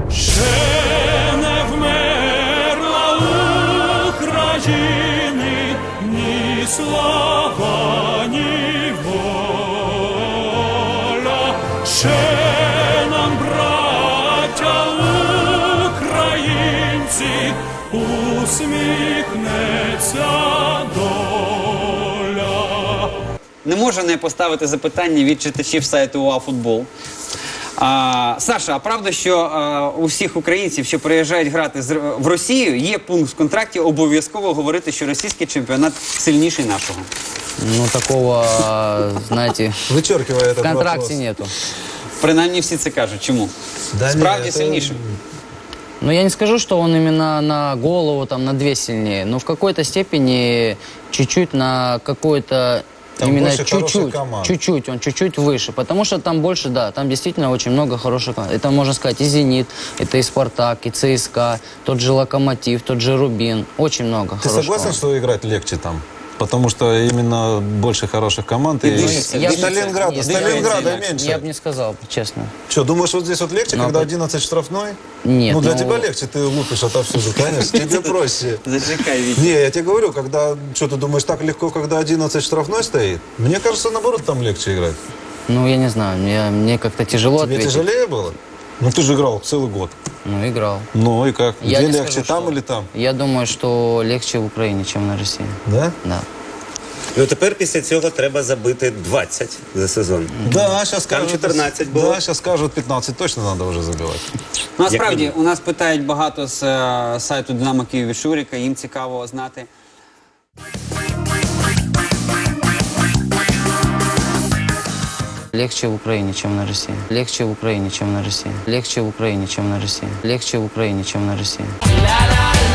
Ще не вмерла України ні слава, ні воля. Ще нам, браття українці, усміхнеться доля. Не можу не поставити запитання від читачів сайту УАФутбол. Саша, а правда, що у всіх українців, що приїжджають грати в Росію, є пункт в контракті обов'язково говорити, що російський чемпіонат сильніший нашого? Ну, такого, знаете, Вычеркивая в этот контракте вопрос. нету. Принаймні всі це кажуть. Чому? Да Справді нет, это- сильнішим. Но я не скажу, что он именно на голову, там, на 2 сильнее, но в какой-то степени чуть-чуть на какой-то... Там именно больше хороших чуть-чуть, команд. чуть-чуть, он чуть-чуть выше, потому что там больше, да, там действительно очень много хороших команд. Это, можно сказать, и «Зенит», это и «Спартак», и «ЦСКА», тот же «Локомотив», тот же «Рубин», очень много Ты хороших согласен, команд. что играть легче там? Потому что именно больше хороших команд. И дышится, Я бы- Сталинграда, Нет, Сталинграда я- меньше. Я бы не сказал, честно. Что, думаешь, вот здесь вот легче, Ну, когда а 11 штрафной? Нет, Ну, для ну- тебя легче, ты лупишь отовсюду, конечно. Тебе проще. Зачекай, Вітя. Не, я тебе говорю, когда, что ты думаешь, так легко, когда 11 штрафной стоит? Мне кажется, наоборот, там легче играть. Ну, я не знаю, мне как-то тяжело Тебе ответить. тяжелее было? Ну, ты же играл целый год. Ну, играл. Ну, и как? Я Где не легче, скажу, там что- или там? Я думаю, что легче в Украине, чем на России. Да? Да. Ну тепер після цього треба забити 20 за сезон. Да, сейчас Там скажут... 14 было. Да, сейчас скажут 15, точно надо уже забивать. Ну, насправді, у нас питають багато з сайту Динамо Київ від Шуріка, їм цікаво знати. Легче в Украине, чем на России. Легче в Украине, чем на России. Легче в Украине, чем на России. Легче в Украине, чем на России.